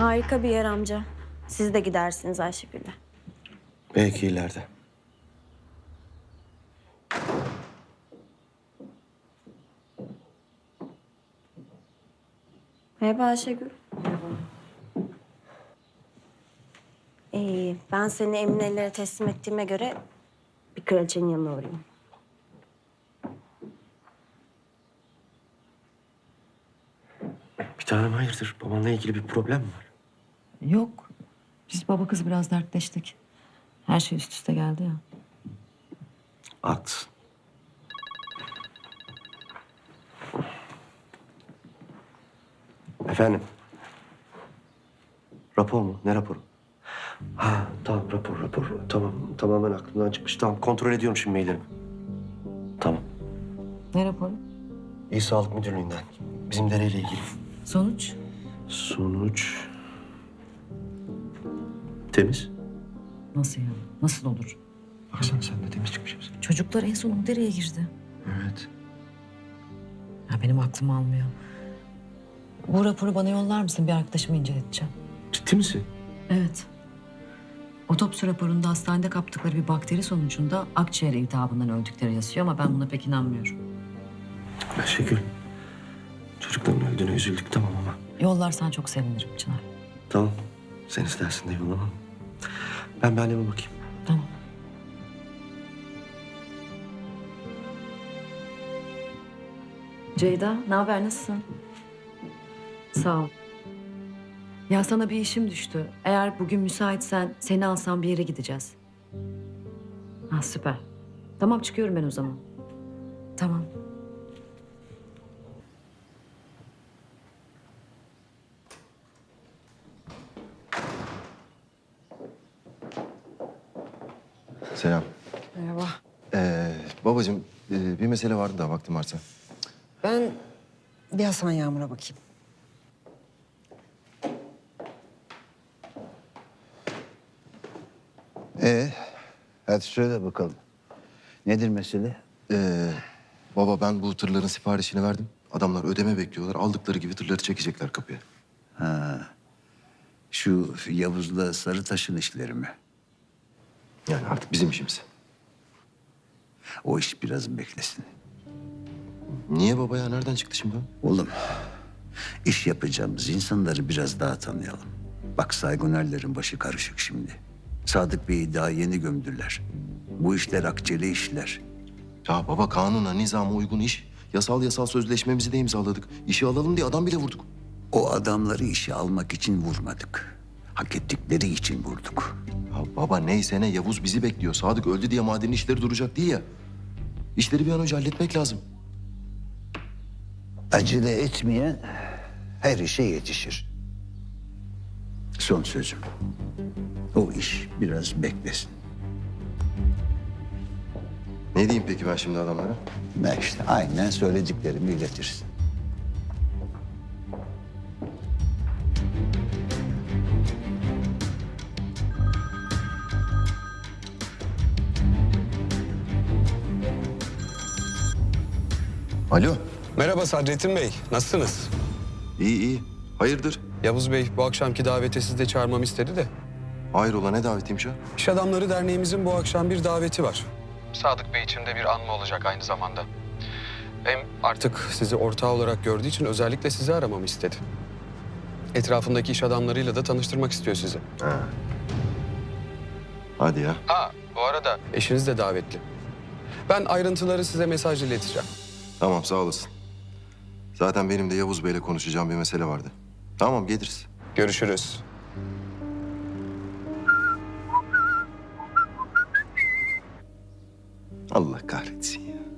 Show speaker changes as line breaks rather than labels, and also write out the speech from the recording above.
Harika bir yer amca. Siz de gidersiniz Ayşegül'le.
Belki ileride.
Merhaba Ayşegül. Ben seni Emine'lere teslim ettiğime göre bir kraliçenin yanına uğrayayım.
Bir tanem hayırdır? Babanla ilgili bir problem mi var?
Yok. Biz baba kız biraz dertleştik. Her şey üst üste geldi ya.
Haklısın. Efendim? Rapor mu? Ne raporu? Ha tamam rapor. Tamam tamamen aklımdan çıkmış. Tamam kontrol ediyorum şimdi maillerimi. Tamam.
Ne raporu?
İl Sağlık Müdürlüğü'nden. Bizim dereyle ilgili.
Sonuç?
Sonuç... Temiz.
Nasıl yani? Nasıl olur?
Baksana sen de temiz çıkmışsın.
Çocuklar en son o dereye girdi.
Evet.
Ya benim aklım almıyor. Bu raporu bana yollar mısın? Bir arkadaşımı inceleteceğim.
Ciddi misin?
Evet. Otopsi raporunda hastanede kaptıkları bir bakteri sonucunda akciğer iltihabından öldükleri yazıyor ama ben buna pek inanmıyorum.
Ayşegül. Çocukların öldüğüne üzüldük tamam ama.
Yollarsan çok sevinirim Çınar.
Tamam. Sen istersin de yollamam. Ben anneme bakayım.
Tamam. Ceyda, ne haber? Nasılsın? Sağ ol. Ya sana bir işim düştü. Eğer bugün müsaitsen seni alsam bir yere gideceğiz. Ha süper. Tamam çıkıyorum ben o zaman. Tamam.
Selam.
Merhaba.
Babacığım bir mesele vardı da vaktim varsa.
Ben bir Hasan Yağmur'a bakayım.
Hadi söyle bakalım. Nedir mesele?
Baba ben bu tırların siparişini verdim. Adamlar ödeme bekliyorlar. Aldıkları gibi tırları çekecekler kapıya.
Şu Yavuz'la Sarıtaş'ın işleri mi?
Yani artık bizim işimiz.
O iş biraz beklesin.
Niye baba ya? Nereden çıktı şimdi o?
Oğlum, iş yapacağımız insanları biraz daha tanıyalım. Bak Saygunerlerin başı karışık şimdi. Sadık Bey'i daha yeni gömdüler. Bu işler akçeli işler.
Ya baba kanuna, nizama uygun iş. Yasal sözleşmemizi de imzaladık. İşi alalım diye adam bile vurduk.
O adamları işe almak için vurmadık. Hak ettikleri için vurduk.
Ya baba neyse ne Yavuz bizi bekliyor. Sadık öldü diye madenin işleri duracak değil ya. İşleri bir an önce halletmek lazım.
Acele etmeyen her işe yetişir. Son sözüm. O iş biraz beklesin.
Ne diyeyim peki ben şimdi adamlara?
Ne işte aynen söylediklerimi iletirsin.
Alo.
Merhaba Sadrettin Bey, nasılsınız?
İyi. Hayırdır?
Yavuz Bey bu akşamki davete sizi de çağırmamı istedi de.
Hayrola ne davetiymiş o?
İş Adamları Derneğimizin bu akşam bir daveti var. Sadık Bey için de bir anma olacak aynı zamanda. Hem artık sizi ortağı olarak gördüğü için özellikle sizi aramamı istedi. Etrafındaki iş adamlarıyla da tanıştırmak istiyor sizi.
Hadi ya.
Ha, bu arada eşiniz de davetli. Ben ayrıntıları size mesaj ileteceğim.
Tamam sağ olasın. Zaten benim de Yavuz Bey'le konuşacağım bir mesele vardı. Tamam geliriz.
Görüşürüz.
Allah kahretsin ya.